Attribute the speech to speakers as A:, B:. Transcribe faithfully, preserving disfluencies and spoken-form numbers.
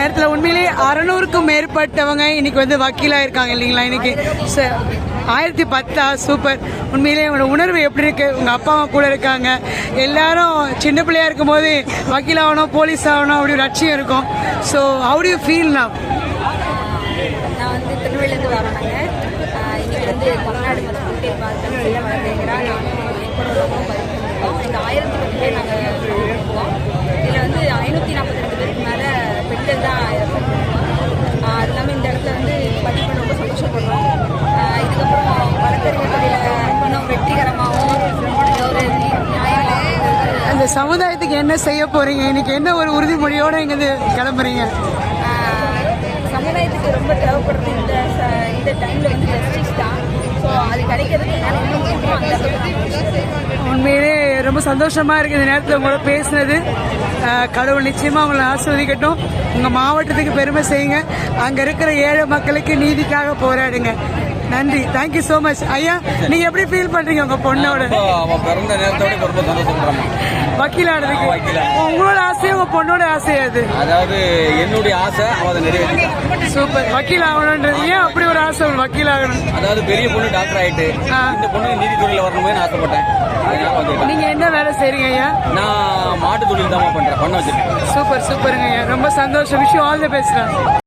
A: நேரத்தில் உண்மையிலேயே அறநூறுக்கும் மேற்பட்டவங்க இன்னைக்கு வந்து வக்கீலாக இருக்காங்க இல்லைங்களா? இன்னைக்கு சார் ஆயிரத்தி பத்தா சூப்பர். உண்மையிலேயே உங்களோட உணர்வு எப்படி இருக்கு? உங்கள் அப்பா அம்மா கூட இருக்காங்க, எல்லாரும் சின்ன பிள்ளையா இருக்கும் போது வக்கீல் ஆகணும் போலீஸ் ஆகணும் அப்படி ஒரு லட்சியம் இருக்கும். So how do you feel now?
B: நான் வந்து திருநெல்வேலியிலேருந்து வரோனாங்க. இன்றைக்கி வந்து தமிழ்நாடு மதம் பார்த்து வழங்குகிறார். நானும் எப்பொழுதும் பதிவு இந்த ஆயிரத்தி பத்து பேர் நாங்கள் இருக்கோம். இதில் வந்து ஐநூற்றி நாற்பத்தி ரெண்டு பேருக்கு மேலே பெண்கள் தான் இருக்கோம். அது இல்லாமல் இந்த இடத்துல வந்து பதிவு பண்ண ரொம்ப சந்தோஷப்படுறோம். இதுக்கப்புறம் வழக்கறிஞர் துறையில் இன்னும் வெற்றிகரமாகவும் ஒரு நியாயங்களாகவும்
A: அந்த சமுதாயத்துக்கு என்ன செய்ய போறீங்க? இன்னைக்கு என்ன ஒரு உறுதிமொழியோட இங்கே கிளம்புறீங்க?
B: சமுதாயத்துக்கு ரொம்ப தேவைப்படுறது இந்த இந்த டைமில் வந்து ஜஸ்டிஸ் தான். ஸோ அது கிடைக்கிறதுக்கு நான் என்ன முடியுமோ அந்த
A: உண்மையிலே ரொம்ப சந்தோஷமா இருக்கு இந்த நேரத்தில் உங்களோட பேசுனது. கடவுள் நிச்சயமா உங்களை ஆஸ்வதிக்கட்டும். உங்க மாவட்டத்துக்கு பெருமை செய்யுங்க. அங்க இருக்கிற ஏழை மக்களுக்கு நீதிக்காக போராடுங்க. நன்றி, தேங்க்யூ சோ மச். ஐயா, நீங்க எப்படி ஃபீல் பண்றீங்க உங்க பொண்ணோட
C: பிறந்த நேரத்தோட ரொம்ப சந்தோஷப்படுறோம்
A: வக்கீலானதுக்கு? உங்களோட ஆசையும் உங்க பொண்ணோட ஆசையா? அது
C: அதாவது என்னுடைய ஆசை அவதை நிறைவேற்றி
A: சூப்பர். வக்கீல் ஆகணும்ன்றது ஏன் அப்படி ஒரு ஆசை வக்கீல் ஆகணும்?
C: அதாவது பெரிய பொண்ணு டாக்டர் ஆயிட்டு இந்த பொண்ணு நீதித்துறையில வரணும்னு ஆசைப்பட்டேன்.
A: நீங்க என்ன வேலை செய்றீங்க ஐயா?
C: நான் மாட்டு தொழில் தான் பண்றேன், பண்ண வச்சிருக்கேன்.
A: சூப்பர் சூப்பருங்க ஐயா, ரொம்ப சந்தோஷம். Wish you all the best.